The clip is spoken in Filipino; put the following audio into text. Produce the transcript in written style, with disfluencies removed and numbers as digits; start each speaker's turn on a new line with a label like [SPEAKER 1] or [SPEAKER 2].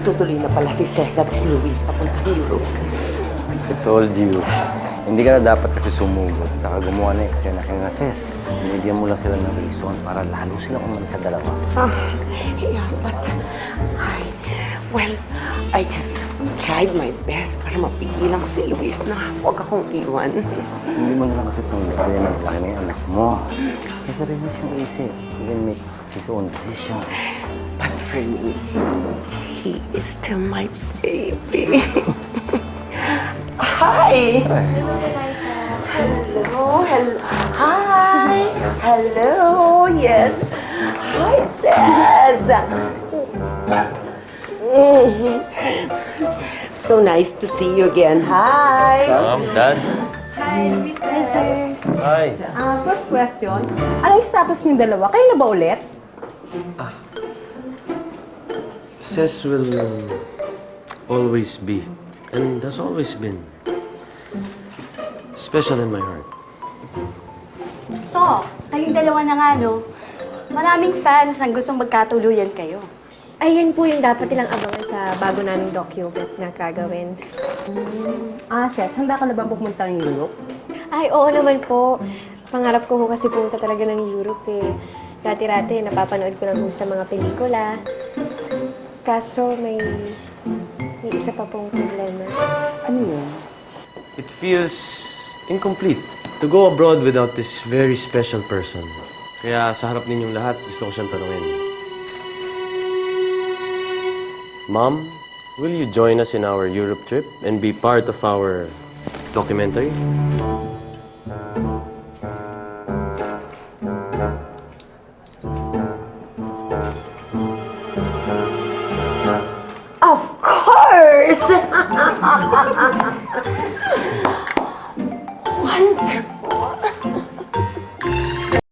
[SPEAKER 1] Magtutuloy na pala si Cesar at si Luis papuntang Europe.
[SPEAKER 2] I told you, hindi ka na dapat kasi sumugod. Saka gumawa na eksena kay Ces. Binigyan mo lang sila ng reason para lalo silang umalis sa dalawa.
[SPEAKER 1] Yeah, but I just tried my best para mapigilan ko si Luis na huwag akong iwan.
[SPEAKER 2] Hindi mo na lang kasi tungkol yan ang laki na yung anak mo. Kasi rin na siyang isip. He can make his own decision.
[SPEAKER 1] But for me, he is still my baby. Hi! Hello, hello. Hi! Hello, yes. Hi, Cez. So nice to see you again. Hi!
[SPEAKER 2] Mom, Dad.
[SPEAKER 3] Hi, Luis. Hi, sir.
[SPEAKER 2] Hi.
[SPEAKER 3] First question, ano yung status niyong dalawa? Kayo na ba ulit?
[SPEAKER 4] Ces will always be, and has always been, special in my heart.
[SPEAKER 5] So, kayong dalawa na nga, no? Maraming fans ang gustong magkatuluyan kayo.
[SPEAKER 6] Ayun po yung dapat nilang abangan sa bago naming document na gagawin.
[SPEAKER 3] Ces, handa ka na ba pumunta ng Europe?
[SPEAKER 6] Ay, oo naman po. Pangarap ko po kasi pumunta talaga ng Europe eh. Dati-rati, napapanood ko lang po sa mga pelikula. Kaso may isa pa pong problema.
[SPEAKER 3] Ano yun?
[SPEAKER 4] It feels incomplete to go abroad without this very special person. Kaya sa harap ninyong lahat, gusto ko siyang tanungin. Mom, will you join us in our Europe trip and be part of our documentary?
[SPEAKER 1] Of course! Wonderful.